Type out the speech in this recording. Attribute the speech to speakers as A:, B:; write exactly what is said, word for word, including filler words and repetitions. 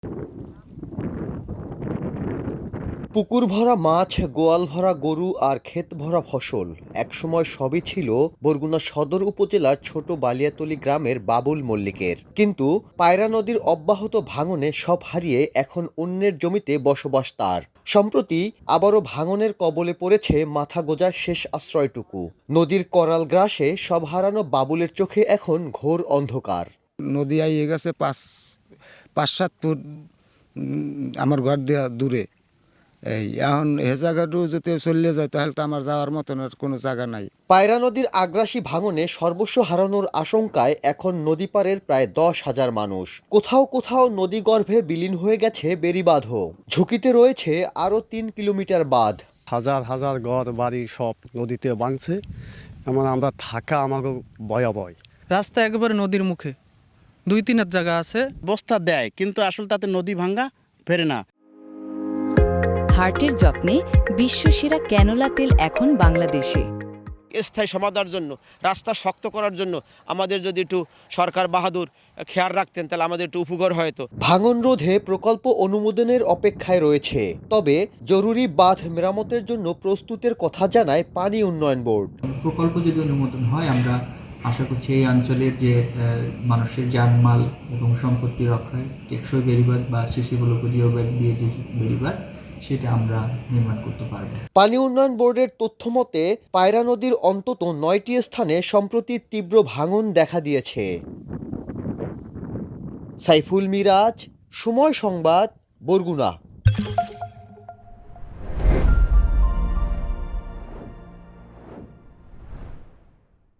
A: পুকুর ভরা মাছ, গোয়াল ভরা গরু আর ক্ষেত ভরা ফসল একসময় সবই ছিল বরগুনা সদর উপজেলার ছোট বালিয়াতলী গ্রামের বাবুল মল্লিকের। কিন্তু পায়রা নদীর অব্যাহত ভাঙনে সব হারিয়ে এখন অন্যের জমিতে বসবাস তার। সম্প্রতি আবারও ভাঙনের কবলে পড়েছে মাথা গোঁজার শেষ আশ্রয়টুকু। নদীর করাল গ্রাসে সব হারানো বাবুলের চোখে এখন ঘোর অন্ধকার।
B: নদী আইয়ে গেছে পাঁচ পাঁচ সাত ফুট উম, আমার ঘর দেওয়া দূরে। এই এখন এ জায়গাটু যদি চলে যায় তাহলে তো আমার যাওয়ার মতন আর কোনো জায়গা নাই।
A: পায়রা নদীর আগ্রাসী ভাঙনে সর্বস্ব হারানোর আশঙ্কায় এখন নদী পারের প্রায় দশ হাজার মানুষ। কোথাও কোথাও নদীগর্ভে বিলীন হয়ে গেছে বেড়িবাঁধও। ঝুঁকিতে রয়েছে আরও তিন কিলোমিটার বাঁধ।
C: হাজার হাজার ঘর বাড়ি সব নদীতে ভাঙছে। এমন আমরা থাকা আমাকে ভয়াবহ।
D: রাস্তা একেবারে নদীর মুখে, দুই তিন জায়গা আছে।
E: বস্তা দেয় কিন্তু আসলে তাতে নদী ভাঙ্গা ফেরে না।
F: হার্টের যত্নে বিশ্বসেরা ক্যানোলা তেল এখন বাংলাদেশে।
G: স্থায়ী সমাধানের জন্য, রাস্তা শক্ত করার জন্য আমাদের যদি একটু সরকার বাহাদুর খেয়াল রাখতেন তাহলে আমাদের একটু উপকার হয়তো।
A: ভাঙন রোধে প্রকল্প অনুমোদনের অপেক্ষায় রয়েছে, তবে জরুরি বাঁধ মেরামতের জন্য প্রস্তুতের কথা জানায় পানি উন্নয়ন বোর্ড।
H: প্রকল্প যদি অনুমোদন হয়, আমরা আশা করছি এই অঞ্চলের যে মানুষের জানমাল এবং সম্পত্তি রক্ষায় টেকসই বেড়িবাঁধ বা সিসি ব্লক জিও ব্যাগ দিয়ে যে বেড়িবাঁধ সেটা আমরা নির্মাণ করতে পারব।
A: পানি উন্নয়ন বোর্ডের তথ্য মতে পায়রা নদীর অন্তত নয়টি স্থানে সম্প্রতি তীব্র ভাঙন দেখা দিয়েছে। সাইফুল মিরাজ, সময় সংবাদ, বরগুনা।